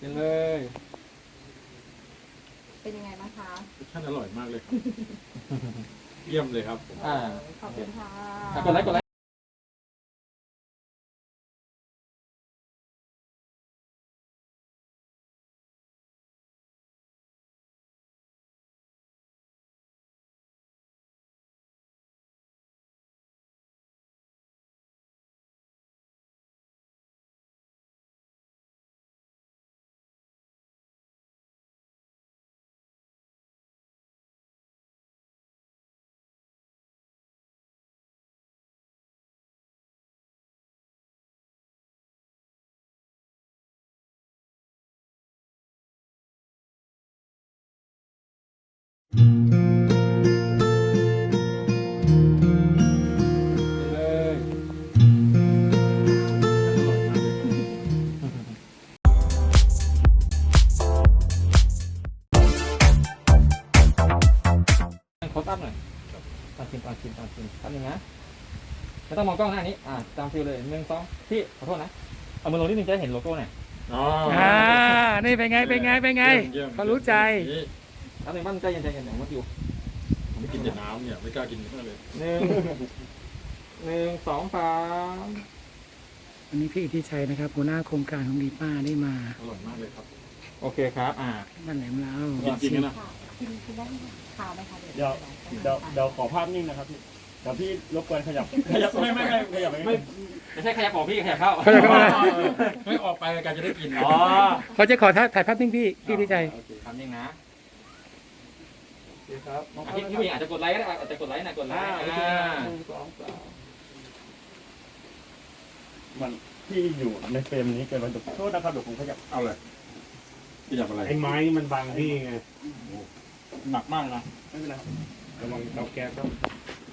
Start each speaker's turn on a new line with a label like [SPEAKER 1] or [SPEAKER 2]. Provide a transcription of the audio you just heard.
[SPEAKER 1] กินเลย
[SPEAKER 2] เป็นยังไงบ้างคะ
[SPEAKER 3] รสชาติอร่อยมากเลยครับ เยี่ยมเลยครับผม
[SPEAKER 2] ขอบคุณค่ะ
[SPEAKER 1] กดไลค์กดไลค์กินเลย
[SPEAKER 3] อร่อยมากเลยครับ
[SPEAKER 1] โค้ดอัพหน่อยตอนกินแป๊บนึงนะไม่ต้องมองกล้องหน้านี้ตามฟิลเลย1 2พี่ขอโทษนะเอามือลงนิดนึงจะได้เห็นโลโก้หน่อย
[SPEAKER 3] อ๋อ
[SPEAKER 4] นี่เป็นไง
[SPEAKER 3] เยี่ยม
[SPEAKER 4] เขารู้ใจ
[SPEAKER 3] นี่
[SPEAKER 1] แล้วหนึ่งบ้านใจเย็นอย่างเมื่อกี้
[SPEAKER 3] ผมไม่กินแต่น้ำเนี่ยไม่กล้ากินมากเลย
[SPEAKER 1] 1 2 3
[SPEAKER 4] วันนี้พี่อิทธิชัยนะครับหัวหน้าโครงการของดีป้าได้มา
[SPEAKER 3] อร่อยมากเลยครับ
[SPEAKER 1] โอเคครับ
[SPEAKER 4] บ้านแหลมเรา
[SPEAKER 3] จริงๆนะ
[SPEAKER 2] ค่ะกินได้ขาวไหมคะ
[SPEAKER 5] เดี๋ยวขอภาพนิ่งนะครับพี่เดี๋ยวพี่รบกวนขยับไม่ขยับ
[SPEAKER 1] ไม่ใช่ขยับของพี่ขยับเข้า
[SPEAKER 3] ไม่ออกไปรายการจะได้กิน
[SPEAKER 1] อ๋อ
[SPEAKER 4] เขาจะขอถ่ายภาพนิ่งพี่อิทธิชัย
[SPEAKER 1] โอเคทำยังนะ
[SPEAKER 3] ครับ
[SPEAKER 1] พี่ผู้หญิงอาจจะกดไลค์ก็ได้อาจจะกดไลค์นะกดไลค์
[SPEAKER 5] มันพี่อยู่ในเฟรมนี้เกินไปโทษนะครับเดี๋ยวผมขยับ
[SPEAKER 3] เอาเลยขยับอะไร
[SPEAKER 5] ไอ้ไม้มันบังพี่ไง
[SPEAKER 3] หนักมากนะ
[SPEAKER 5] ไม่เป็นไรระวังเตาแก๊สครับ